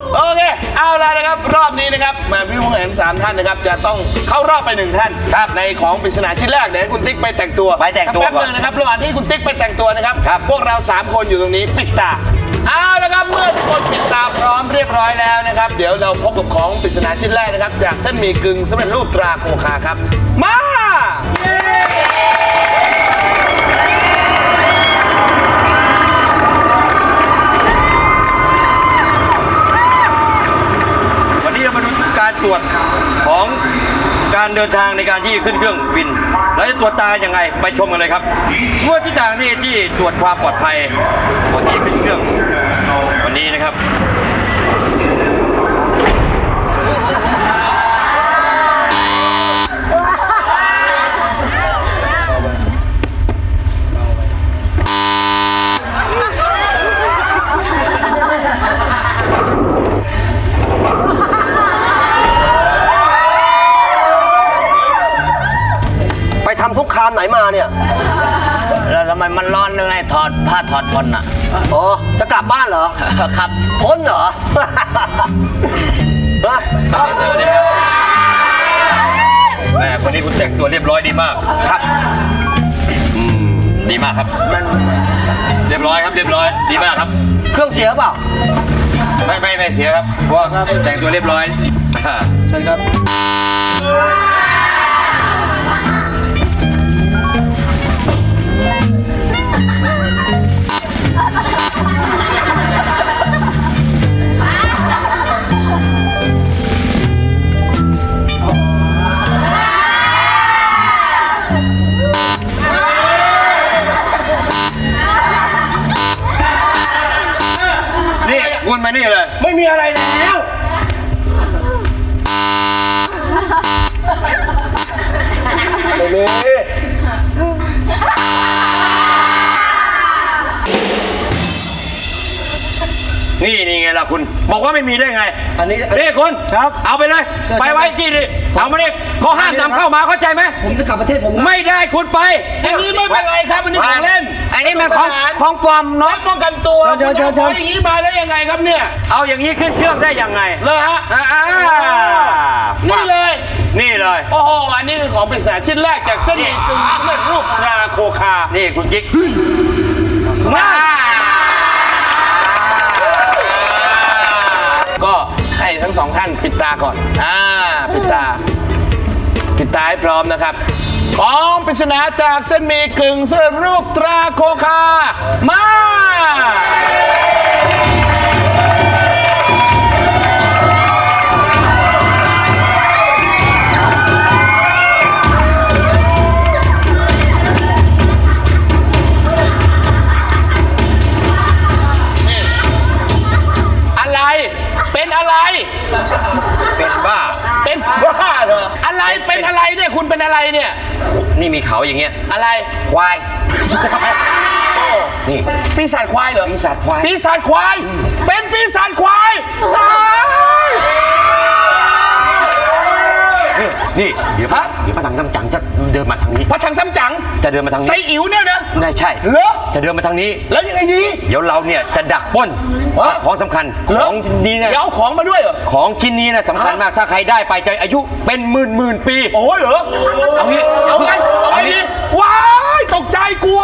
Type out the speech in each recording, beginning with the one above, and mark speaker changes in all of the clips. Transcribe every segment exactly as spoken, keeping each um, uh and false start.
Speaker 1: โอเคเอาละนะครับรอบนี้นะครับมาพี่ผู้แข่งขันสามท่านนะครับจะต้องเข้ารอบไปหนึ่งท่านครับในของปริศนาชิ้นแรกเดี๋ยวให้คุณติ๊กไปแต่งตัว
Speaker 2: ไปแต่งตัว
Speaker 1: แป๊บนึงนะครับระหว่างที่คุณติ๊กไปแต่งตัวนะครับพวกเราสามคนอยู่ตรงนี้ปิดตาเอาละครับเมื่อทุกคนปิดตาพร้อมเรียบร้อยแล้วนะครับเดี๋ยวเราพบกับของปริศนาชิ้นแรกนะครับจากเส้นหมี่กึ่งสำเร็จรูปตราโคคาครับมา
Speaker 2: วันนี้เรามาดูการตรวจของการเดินทางในการที่ขึ้นเครื่องบินแล้วจะตรวจตาอย่างไงไปชมกันเลยครับส่วนที่ต่างนี่ที่ตรวจความปลอดภัยก่อนที่ขึ้นเครื่องวันนี้นะครับ
Speaker 3: ไปทำสงครามไหนมาเนี่ย
Speaker 4: แล้วทำไมมันร้อนยังไงถอดผ้าถอดผ่อนอ่ะ
Speaker 3: อ๋อ จะกลับบ้านเหรอ
Speaker 4: ครับ
Speaker 3: พ้นเหรอ ฮะ
Speaker 2: แม่วันนี้คุณแต่งตัวเรียบร้อยดีมากครับอืมดีมากครับเรียบร้อยครับเรียบร้อยดีมากครับ
Speaker 3: เครื่องเสียเปล่า
Speaker 2: ไม่ไม่ไม่เสียครับเพราะว่าแต่งตัวเรียบร้อยเชิญครับนี่วนมานี่เลยไม่มีอะไรแล้วไม่มีนี่นี่ไงล่ะคุณบอกว่าไม่มีได้ไงอันนี้นี่คุณครับเอาไปเลยไปไว้ที่นี่เอามาเนี่ยเขาห้ามนำเข้ามาเข้าใจไหมผมจะกลับประเทศผมไม่ได้คุณไป
Speaker 1: อันนี้ไม่เป็นไรครับอันนี้ของเล่น
Speaker 4: อันนี้มันของของปลอมเนาะ
Speaker 1: ป้องกันตัวคุณเอาของอย่างนี้มาได้ยังไงครับเนี่ย
Speaker 2: เอาอย่างนี้ขึ้นเครื่องได้ยังไง
Speaker 1: เลยฮะ
Speaker 2: อ่า
Speaker 1: นี่เลย
Speaker 2: นี่เลย
Speaker 1: โอ้โหอันนี้คือของปริศนาชิ้นแรกจากเส้นหมี่กึ่งสำเร็จรูปตราโคคา
Speaker 2: นี่คุณกิ๊ก
Speaker 1: มาก็ให้ทั้งสองท่านปิดตาก่อนอ่าปิดตาปิดตาให้พร้อมนะครับของปริศนาจากเส้นหมี่กึ่งสำเร็จรูปตราโคคามาเป็นอะไร
Speaker 2: เป็นบ้า
Speaker 1: เป็นบ้าเหรอ อะไร เป็นอะไรเนี่ย คุณเป็นอะไรเนี่ย
Speaker 2: นี่มีเขาอย่างเงี้ย
Speaker 1: อะไร
Speaker 2: ควาย นี่
Speaker 1: ปีศาจควายเหรอ
Speaker 2: ปีศาจควาย
Speaker 1: ปีศาจควาย เป็นปีศาจควายตาย
Speaker 2: นี่นี่เดี๋ยว
Speaker 1: ฮะ
Speaker 2: เดี๋ยวพระสังฆจังจะเดินมาทางนี้
Speaker 1: พระถังซ้ำจัง
Speaker 2: จะเดินมาทางนี้
Speaker 1: ไซอิ๋วเนี่ยนะ
Speaker 2: ได้ใช่
Speaker 1: เหรอ
Speaker 2: จะเดินมาทางนี้
Speaker 1: แล้วยังไงดี
Speaker 2: เดี๋ยวเราเนี่ยจะดักปล้น
Speaker 1: ฮะ
Speaker 2: ของสำคัญ
Speaker 1: เหร
Speaker 2: ของนี้นะ
Speaker 1: เดี๋ยวเอาของมาด้วยเหรอ
Speaker 2: ของชิ้นนี้นะสำคัญมาก ถ้าใครได้ไปจะอายุเป็นหมื่นหมื่นปี
Speaker 1: โอ้เหรอ
Speaker 2: เอางี้
Speaker 1: เอาไงเอาไงดีว้ายตกใจกลัว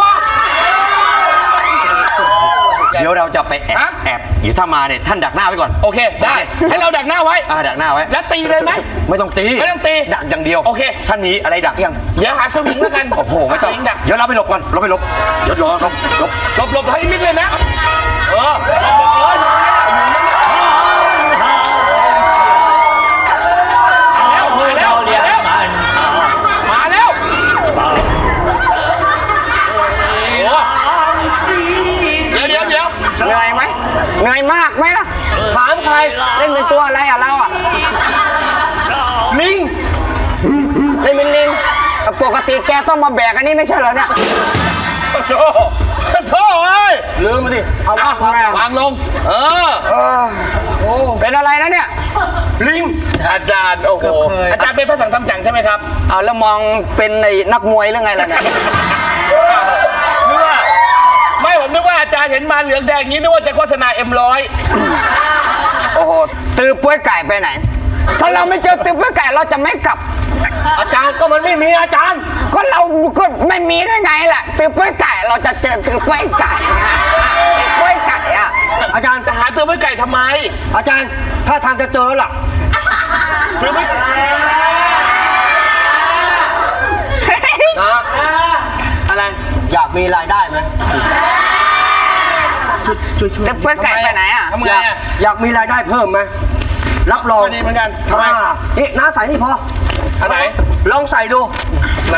Speaker 2: เดี๋ยวเราจะไปแอบ
Speaker 1: ฮะ
Speaker 2: แอบเดี๋ยวถ้ามาเนี่ยท่านดักหน้าไว้ก่อน
Speaker 1: โอเค ได้ ให้เราดักหน้าไว้
Speaker 2: อ่าดักหน้าไว้
Speaker 1: แล้วตีเลยไหม
Speaker 2: ไม่ต้องตี
Speaker 1: ไม่ต้องตี
Speaker 2: ดักอย่างเดียว
Speaker 1: โอเค
Speaker 2: ท่านมีอะไรดักยัง
Speaker 1: เดี๋ยวหาสวิงแล้วกัน
Speaker 2: โอ้โหไม่
Speaker 1: ส
Speaker 2: ต้อง
Speaker 1: วิงดัก
Speaker 2: เดี๋ยวเราไปหลบก่อนเราไปหลบเดี๋ยวรอหลบหลบ
Speaker 1: หลบหลบให้มิดเลยนะ เออหลบหลบเอออยู่นั่นแหละอยู่นั่นแหละมาแล้ว มาแล้ว มาแล้ว โอ้เดี๋ยวเดี๋ยวเดี๋ยว
Speaker 4: เหนื่อยไหมเหนื่อยมากไหมล่ะ ถามใคร เล่นเป็นตัวอะไรอ่ะเราอ่ะ
Speaker 1: ลิง
Speaker 4: เล่นเป็นลิง ปกติแกต้องมาแบกอันนี้ไม่ใช่เหรอเนี่ย
Speaker 1: โธ่โธ่เอ้ย
Speaker 3: ลืมมาสิ
Speaker 4: เอาวางไงอ่ะ
Speaker 1: วางลง เออ
Speaker 4: เป็นอะไรนะเนี่ย
Speaker 1: ลิง อาจารย์ โอ้โห อาจารย์เป็นพระสังฆจังใช่ไหมครับ
Speaker 4: เอาแล้วมองเป็นไอ้นักมวยหรือไงล่ะเนี่ย
Speaker 1: นึกว่า ไม่ผมนึกว่าอาจารย์เห็นมาเหลืองแดงอย่างนี้นึกว่าจะโฆษณาเอ็มร้อย
Speaker 4: โอ้โหตือป้วยไก่ไปไหน ถ้าเราไม่เจอตือป้วยไก่เราจะไม่กลับ
Speaker 3: อาจารย์ก็มันไม่มีอาจารย์
Speaker 4: ก็เราก็ไม่มีได้ไงล่ะตือป้วยไก่เราจะเจอตือป้วยไก่อะตือป้วยไก่อะ
Speaker 3: อาจารย์
Speaker 1: จะหาตัวไม่ไก่ทำไม
Speaker 3: อาจารย์ถ้าทางจะเจอแล้วล่ะ
Speaker 1: ตัวไม่
Speaker 3: นะ
Speaker 1: อะไร
Speaker 3: อยากมีรายได้ไหม
Speaker 4: ตือป้วยไก่ไปไหนอะ
Speaker 1: ทำไง
Speaker 3: อยาก
Speaker 1: อะ
Speaker 3: อยากมีรายได้เพิ่มไหมรับรอง
Speaker 1: ก็ดีเหมือนกันทำไม
Speaker 3: อ่านี่น้าใส่นี่พอ
Speaker 1: อันไหน
Speaker 3: ลองใส่ดู
Speaker 1: ไหน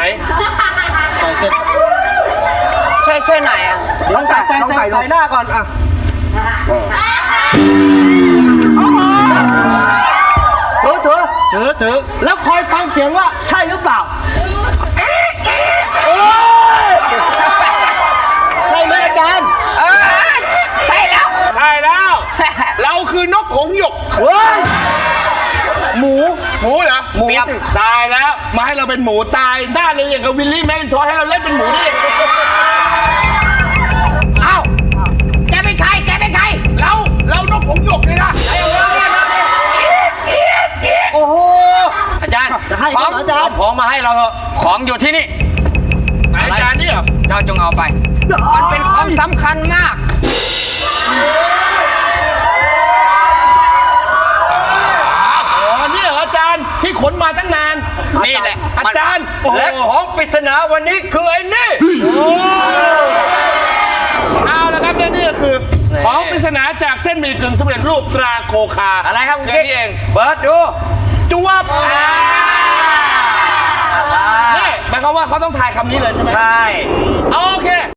Speaker 4: ช่วยช่วยหน่อยอะ
Speaker 3: ลองใส่ลองใส่ดู
Speaker 2: ใส่หน้าก่อนอ่ะ
Speaker 3: เถอะเถอะเถอะเถอะแล้วคอยฟังเสียงว่าใช่หรือเปล่าโอ้ยใช่ไหมอาจารย์
Speaker 4: เออใช่แล้ว
Speaker 1: ใช่แล้ว เราคือนกหงส์หยก
Speaker 3: เฮ้ย
Speaker 1: หมู หมูเหรอ
Speaker 3: หมู
Speaker 1: เปียบตายแล้ว มาให้เราเป็นหมูตายหน้าเลยอย่างกับวิลลี่แมนทอยให้เราเล่นเป็นหมูได้ยังไง
Speaker 4: เอ้าแกเป็นใครแกเป็นใคร
Speaker 1: เรา เรานกหงส์หยกเลยนะ
Speaker 4: โอ้โห
Speaker 2: อาจารย์
Speaker 3: จะให้
Speaker 4: ของ
Speaker 3: อาจาร
Speaker 2: เอา
Speaker 3: ย์
Speaker 2: ของมาให้เราเถอะ
Speaker 4: ของอยู่ที่นี่
Speaker 1: ไหนอาจารย์นี่เหรอ
Speaker 4: เจ้าจงเอาไป มันเป็นของสำคัญมาก
Speaker 1: อ๋อ นี่เหรออาจารย์ที่ขนมาตั้งนาน
Speaker 4: นี่แหละ
Speaker 1: อาจารย์โอ้โห
Speaker 2: และของปริศนาวันนี้คือไอ้นี่
Speaker 1: เอาละครับและนี่ก็คือ ของปริศนาจากเส้นหมี่กึ่งสำเร็จรูปตราโคคา
Speaker 2: อะไรครับคุณ
Speaker 1: แค่
Speaker 2: กิ๊ก
Speaker 1: นี้เอง
Speaker 2: เปิดดู
Speaker 1: จวบนี่หมายความว่าเขาต้องทายคำนี้เลยใช่ไหม
Speaker 2: ใช่
Speaker 1: โอเค